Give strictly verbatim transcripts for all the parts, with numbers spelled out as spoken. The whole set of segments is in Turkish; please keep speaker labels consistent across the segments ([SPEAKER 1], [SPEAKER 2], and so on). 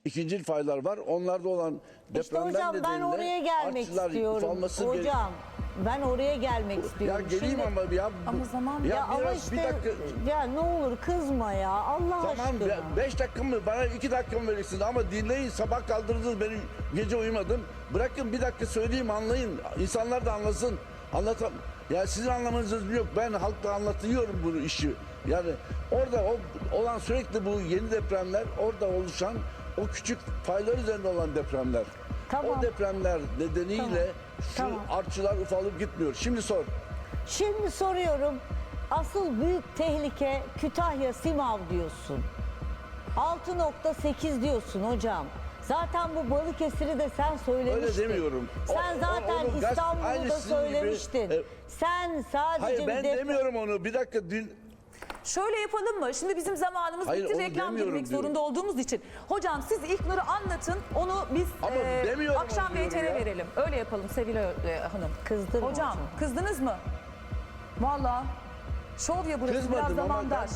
[SPEAKER 1] ikincil faylar var. Onlarda olan
[SPEAKER 2] İşte
[SPEAKER 1] depremler
[SPEAKER 2] hocam ben
[SPEAKER 1] nedeniyle
[SPEAKER 2] oraya gelmek
[SPEAKER 1] artçılar
[SPEAKER 2] istiyorum.
[SPEAKER 1] ufalması gere-
[SPEAKER 2] Hocam ben oraya gelmek
[SPEAKER 1] Ya
[SPEAKER 2] istiyorum.
[SPEAKER 1] geleyim
[SPEAKER 2] Şimdi-
[SPEAKER 1] ama ya.
[SPEAKER 3] Ama zaman-
[SPEAKER 1] ya,
[SPEAKER 2] Ya ama
[SPEAKER 1] biraz
[SPEAKER 2] işte
[SPEAKER 1] bir dakika.
[SPEAKER 2] ya ne olur kızma ya Allah
[SPEAKER 1] Tamam
[SPEAKER 2] aşkına.
[SPEAKER 1] be- beş dakika mı bana iki dakika mı verirsiniz ama dinleyin, sabah kaldırdınız beni, gece uyumadım. Bırakın bir dakika söyleyeyim, anlayın, insanlar da anlasın. Anlatam. Ya sizin anlamanız yok, ben halkla anlatıyorum bu işi. Yani orada o, olan sürekli bu yeni depremler, orada oluşan o küçük faylar üzerinde olan depremler.
[SPEAKER 2] Tamam.
[SPEAKER 1] O depremler nedeniyle
[SPEAKER 2] Tamam.
[SPEAKER 1] şu
[SPEAKER 2] Tamam.
[SPEAKER 1] artçılar ufalıp gitmiyor. Şimdi sor.
[SPEAKER 2] Şimdi soruyorum. Asıl büyük tehlike Kütahya Simav diyorsun. altı nokta sekiz diyorsun hocam. Zaten bu Balıkesir'i de sen söylemiştin.
[SPEAKER 1] Öyle demiyorum. O-
[SPEAKER 2] Sen
[SPEAKER 1] o-
[SPEAKER 2] zaten
[SPEAKER 1] onu gaz-
[SPEAKER 2] İstanbul'u
[SPEAKER 1] aynı
[SPEAKER 2] da
[SPEAKER 1] sizin gibi,
[SPEAKER 2] söylemiştin.
[SPEAKER 1] e,
[SPEAKER 2] sen sadece
[SPEAKER 1] Hayır
[SPEAKER 2] bir
[SPEAKER 1] ben
[SPEAKER 2] deprem-
[SPEAKER 1] demiyorum onu. Bir dakika dün
[SPEAKER 3] Şöyle yapalım mı? Şimdi bizim zamanımız
[SPEAKER 1] Hayır,
[SPEAKER 3] bitti.
[SPEAKER 1] onu
[SPEAKER 3] Reklam
[SPEAKER 1] demiyorum
[SPEAKER 3] girmek
[SPEAKER 1] diyorum.
[SPEAKER 3] zorunda olduğumuz için. Hocam siz İlknur'u anlatın. Onu biz
[SPEAKER 1] Ama
[SPEAKER 3] e,
[SPEAKER 1] demiyorum
[SPEAKER 3] akşam
[SPEAKER 1] onu diyorum
[SPEAKER 3] V T R
[SPEAKER 1] ya.
[SPEAKER 3] verelim. Öyle yapalım Sevil e, Hanım.
[SPEAKER 2] Kızdırma
[SPEAKER 3] Hocam
[SPEAKER 2] hocam.
[SPEAKER 3] kızdınız mı? Valla. Şov ya burası.
[SPEAKER 1] Kızmadım
[SPEAKER 3] Biraz
[SPEAKER 1] ama
[SPEAKER 3] zamandaş.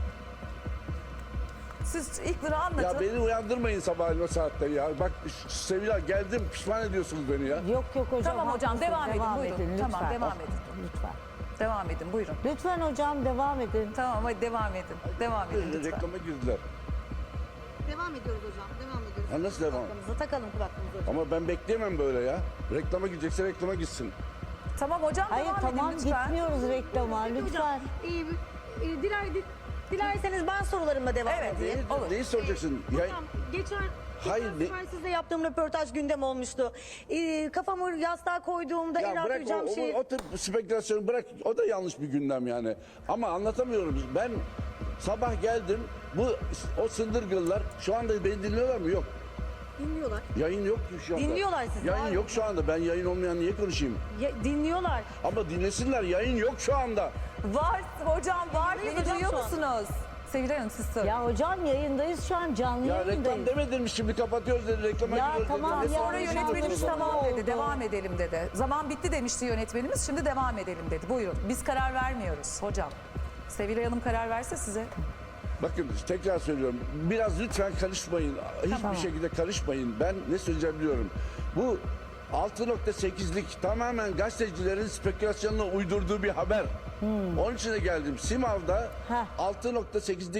[SPEAKER 3] Siz İlknur'u anlatın.
[SPEAKER 1] ya beni uyandırmayın sabahleyin o saatte ya. Bak Sevilla geldim, pişman ediyorsunuz beni ya.
[SPEAKER 2] Yok yok hocam.
[SPEAKER 3] Tamam hocam,
[SPEAKER 2] haklısın.
[SPEAKER 3] devam edin, buyurun.
[SPEAKER 2] lütfen.
[SPEAKER 3] Tamam, devam edin.
[SPEAKER 2] Lütfen.
[SPEAKER 3] Devam edin buyurun.
[SPEAKER 2] Lütfen hocam devam edin.
[SPEAKER 3] Tamam hadi devam edin. Devam edin lütfen.
[SPEAKER 1] Reklama girdiler.
[SPEAKER 4] Devam ediyoruz hocam. Devam ediyoruz.
[SPEAKER 1] Ha, nasıl devam?
[SPEAKER 4] Kulaklığımıza takalım kulaklığımızı hocam.
[SPEAKER 1] Ama ben bekleyemem böyle ya. Reklama gidecekse reklama gitsin.
[SPEAKER 3] Tamam hocam
[SPEAKER 2] Hayır
[SPEAKER 3] devam
[SPEAKER 2] tamam
[SPEAKER 3] edin lütfen.
[SPEAKER 2] gitmiyoruz reklama
[SPEAKER 4] Peki
[SPEAKER 2] lütfen.
[SPEAKER 4] hocam, e, e, diler, di- dilerseniz ben sorularıma devam
[SPEAKER 3] Evet,
[SPEAKER 4] edeyim.
[SPEAKER 1] Neyi,
[SPEAKER 3] olur.
[SPEAKER 1] neyi soracaksın? Ya,
[SPEAKER 4] Hocam geçen
[SPEAKER 1] Hayır,
[SPEAKER 4] geçen
[SPEAKER 1] ne-
[SPEAKER 4] sefer sizle yaptığım röportaj gündem olmuştu. E, kafamı yastığa koyduğumda en
[SPEAKER 1] ya
[SPEAKER 4] rahat
[SPEAKER 1] bırak o,
[SPEAKER 4] duyacağım
[SPEAKER 1] o,
[SPEAKER 4] şey...
[SPEAKER 1] o tip spekülasyonu bırak. O da yanlış bir gündem yani. Ama anlatamıyorum. Ben sabah geldim. Bu o sındırgıllar şu anda beni dinliyorlar mı? Yok.
[SPEAKER 4] Dinliyorlar.
[SPEAKER 1] Yayın yok ki şu anda.
[SPEAKER 4] Dinliyorlar sizi,
[SPEAKER 1] Yayın
[SPEAKER 4] var
[SPEAKER 1] yok
[SPEAKER 4] mı?
[SPEAKER 1] şu anda. Ben yayın olmayan niye konuşayım?
[SPEAKER 4] Ya, dinliyorlar.
[SPEAKER 1] Ama dinlesinler. Yayın yok şu anda.
[SPEAKER 3] Var hocam var.
[SPEAKER 4] Dinliyoruz
[SPEAKER 3] Beni
[SPEAKER 4] hocam
[SPEAKER 3] duyuyor
[SPEAKER 4] şu an.
[SPEAKER 3] musunuz? Sevilay Hanım siz söyleyin.
[SPEAKER 2] Ya hocam yayındayız şu an canlı
[SPEAKER 1] Ya
[SPEAKER 2] yayındayız.
[SPEAKER 1] reklam demedin mi şimdi kapatıyoruz dedi. Reklama
[SPEAKER 2] Ya
[SPEAKER 1] giriyoruz
[SPEAKER 2] tamam
[SPEAKER 1] dedi.
[SPEAKER 2] ya,
[SPEAKER 3] Sonra
[SPEAKER 2] hocam,
[SPEAKER 3] yönetmenimiz
[SPEAKER 2] hocam.
[SPEAKER 3] tamam
[SPEAKER 2] oldu.
[SPEAKER 3] dedi, devam edelim dedi. Zaman bitti demişti yönetmenimiz, şimdi devam edelim dedi. Buyurun, biz karar vermiyoruz hocam. Sevilay Hanım karar verse size.
[SPEAKER 1] Bakın tekrar söylüyorum. Biraz lütfen karışmayın. Hiçbir
[SPEAKER 2] Tamam.
[SPEAKER 1] şekilde karışmayın. Ben ne söyleyeceğim biliyorum. Bu altı nokta sekizlik tamamen gazetecilerin spekülasyonuna uydurduğu bir haber. Onun için de geldim. Simav'da
[SPEAKER 2] Heh.
[SPEAKER 1] altı nokta sekizlik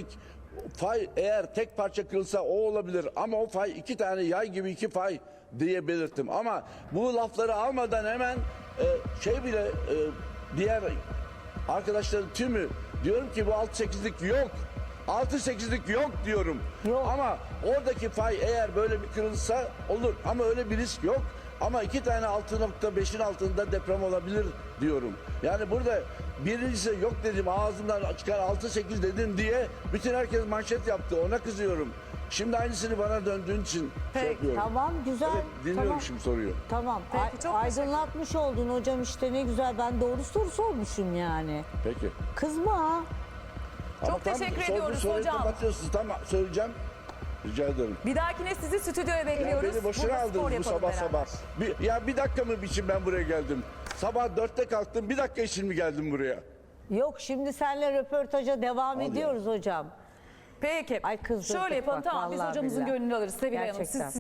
[SPEAKER 1] fay eğer tek parça kırılsa o olabilir. Ama o fay iki tane yay gibi iki fay diye belirttim. Ama bu lafları almadan hemen e, şey bile e, diğer arkadaşların tümü diyorum ki bu altı sekizlik yok. altı sekizlik yok diyorum.
[SPEAKER 2] Yok.
[SPEAKER 1] Ama oradaki fay eğer böyle bir kırılsa olur. Ama öyle bir risk yok. Ama iki tane altı nokta beşin altında deprem olabilir diyorum. Yani burada birincisi yok dedim, ağzımdan çıkar altı sekiz dedim diye bütün herkes manşet yaptı. Ona kızıyorum. Şimdi aynısını bana döndüğün için şey
[SPEAKER 3] Peki,
[SPEAKER 1] yapıyorum.
[SPEAKER 2] Tamam güzel.
[SPEAKER 1] Evet, dinliyorum
[SPEAKER 2] tamam.
[SPEAKER 1] şimdi soruyu.
[SPEAKER 2] Tamam.
[SPEAKER 3] Peki,
[SPEAKER 2] Ay-
[SPEAKER 3] çok teşekkür-
[SPEAKER 2] aydınlatmış oldun hocam işte ne güzel. Ben doğru soru sormuşum yani.
[SPEAKER 1] Peki.
[SPEAKER 2] Kızma.
[SPEAKER 1] Ama tam
[SPEAKER 3] teşekkür
[SPEAKER 1] sorduğun
[SPEAKER 3] ediyoruz
[SPEAKER 1] soruyu
[SPEAKER 3] hocam.
[SPEAKER 1] kapatıyorsunuz. Tamam söyleyeceğim. Rica ederim.
[SPEAKER 3] Bir dahakine sizi stüdyoya
[SPEAKER 1] Ya
[SPEAKER 3] bekliyoruz.
[SPEAKER 1] beni boşuna
[SPEAKER 3] Burada spor
[SPEAKER 1] aldınız bu
[SPEAKER 3] yapalım
[SPEAKER 1] sabah
[SPEAKER 3] beraber.
[SPEAKER 1] sabah. Bir, ya bir dakika mı için ben buraya geldim? Sabah dörtte kalktım, bir dakika için mi geldim buraya?
[SPEAKER 2] Yok şimdi seninle röportaja devam
[SPEAKER 1] Al ya.
[SPEAKER 2] ediyoruz hocam.
[SPEAKER 3] Peki.
[SPEAKER 2] Ay kızdırdık
[SPEAKER 3] Şöyle yapalım
[SPEAKER 2] bak,
[SPEAKER 3] tamam biz
[SPEAKER 2] vallahi
[SPEAKER 3] hocamızın
[SPEAKER 2] billahi.
[SPEAKER 3] gönlünü alırız Sevilay Hanım.
[SPEAKER 2] Gerçekten.
[SPEAKER 3] Siz